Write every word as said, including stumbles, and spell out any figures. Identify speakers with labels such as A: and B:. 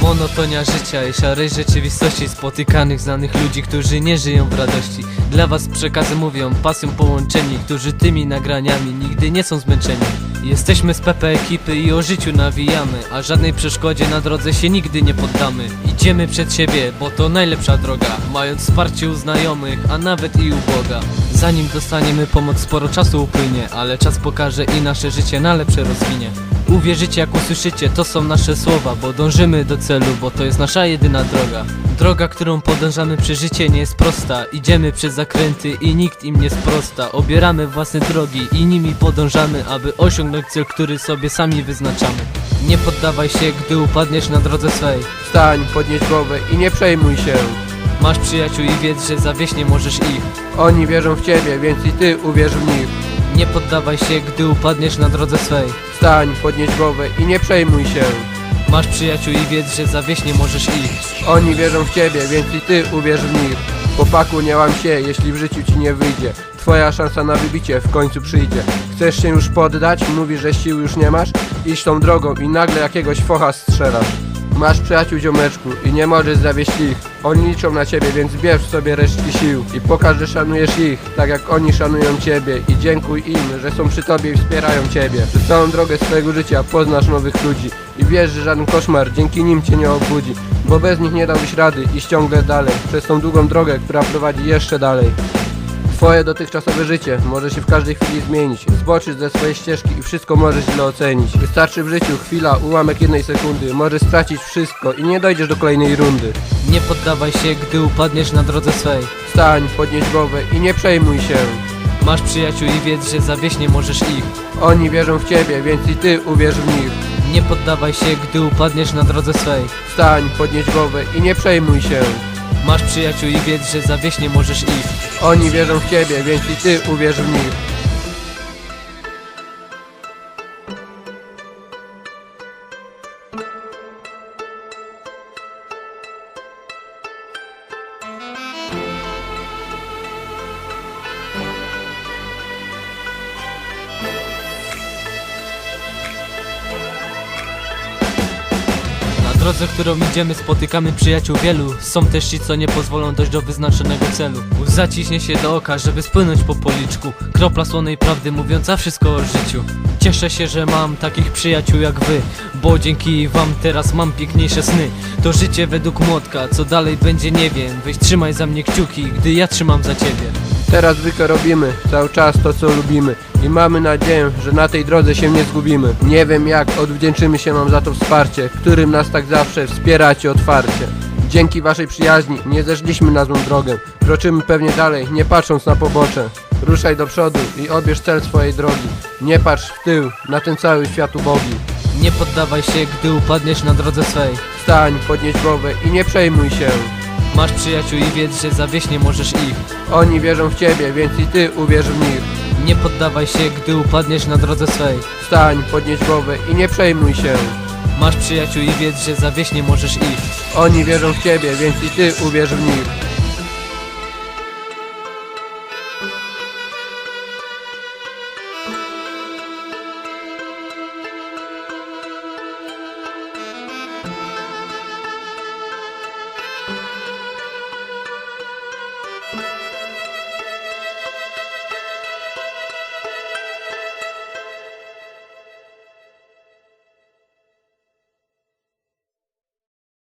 A: Monotonia życia i szarej rzeczywistości spotykanych znanych ludzi, którzy nie żyją w radości. Dla was przekazy mówią, pasją połączeni, którzy tymi nagraniami nigdy nie są zmęczeni. Jesteśmy z P P ekipy i o życiu nawijamy, a żadnej przeszkodzie na drodze się nigdy nie poddamy. Idziemy przed siebie, bo to najlepsza droga, mając wsparcie u znajomych, a nawet i u Boga. Zanim dostaniemy pomoc, sporo czasu upłynie, ale czas pokaże i nasze życie na lepsze rozwinie. Uwierzycie jak usłyszycie, to są nasze słowa, bo dążymy do celu, bo to jest nasza jedyna droga. Droga, którą podążamy przez życie nie jest prosta. Idziemy przez zakręty i nikt im nie sprosta. Obieramy własne drogi i nimi podążamy, aby osiągnąć cel, który sobie sami wyznaczamy. Nie poddawaj się, gdy upadniesz na drodze swej.
B: Wstań, podnieś głowę i nie przejmuj się.
A: Masz przyjaciół i wiedz, że zawieść nie możesz ich.
B: Oni wierzą w ciebie, więc i ty uwierz w nich.
A: Nie poddawaj się, gdy upadniesz na drodze swej.
B: Wstań, podnieś głowę i nie przejmuj się.
A: Masz przyjaciół i wiedz, że zawieść nie możesz ich.
B: Oni wierzą w ciebie, więc i ty uwierz w nich. Chłopaku, nie łam się, jeśli w życiu ci nie wyjdzie. Twoja szansa na wybicie w końcu przyjdzie. Chcesz się już poddać? Mówisz, że sił już nie masz? Idź tą drogą i nagle jakiegoś focha strzelasz. Masz przyjaciół, ziomeczku, i nie możesz zawieść ich. Oni liczą na ciebie, więc bierz w sobie resztki sił i pokaż, że szanujesz ich, tak jak oni szanują ciebie. I dziękuj im, że są przy tobie i wspierają ciebie. Przez całą drogę swojego życia poznasz nowych ludzi i wiesz, że żaden koszmar dzięki nim cię nie obudzi, bo bez nich nie dałbyś rady iść ciągle dalej, przez tą długą drogę, która prowadzi jeszcze dalej. Twoje dotychczasowe życie może się w każdej chwili zmienić, zboczyć ze swojej ścieżki i wszystko możesz źle ocenić. Wystarczy w życiu chwila, ułamek jednej sekundy, możesz stracić wszystko i nie dojdziesz do kolejnej rundy.
A: Nie poddawaj się, gdy upadniesz na drodze swej.
B: Wstań, podnieś głowę i nie przejmuj się.
A: Masz przyjaciół i wiedz, że zawieść nie możesz ich.
B: Oni wierzą w ciebie, więc i ty uwierz w nich.
A: Nie poddawaj się, gdy upadniesz na drodze swej.
B: Wstań, podnieś głowę i nie przejmuj się.
A: Masz przyjaciół i wiedz, że zawieść nie możesz ich.
B: Oni wierzą w ciebie, więc i ty uwierz w nich.
A: Na drodze, którą idziemy, spotykamy przyjaciół wielu. Są też ci, co nie pozwolą dojść do wyznaczonego celu. Łza ciśnie się do oka, żeby spłynąć po policzku. Kropla słonej prawdy mówiąca wszystko o życiu. Cieszę się, że mam takich przyjaciół jak wy, bo dzięki wam teraz mam piękniejsze sny. To życie według młotka, co dalej będzie nie wiem. Weź trzymaj za mnie kciuki, gdy ja trzymam za ciebie.
B: Teraz zwykle robimy cały czas to, co lubimy i mamy nadzieję, że na tej drodze się nie zgubimy. Nie wiem jak odwdzięczymy się wam za to wsparcie, którym nas tak zawsze wspieracie otwarcie. Dzięki waszej przyjaźni nie zeszliśmy na złą drogę. Kroczymy pewnie dalej, nie patrząc na pobocze. Ruszaj do przodu i odbierz cel swojej drogi. Nie patrz w tył, na ten cały świat ubogi.
A: Nie poddawaj się, gdy upadniesz na drodze swej.
B: Wstań, podnieś głowę i nie przejmuj się.
A: Masz przyjaciół i wiedz, że zawieść nie możesz ich.
B: Oni wierzą w ciebie, więc i ty uwierz w nich.
A: Nie poddawaj się, gdy upadniesz na drodze swej.
B: Wstań, podnieś głowę i nie przejmuj się.
A: Masz przyjaciół i wiedz, że zawieść nie możesz ich.
B: Oni wierzą w ciebie, więc i ty uwierz w nich.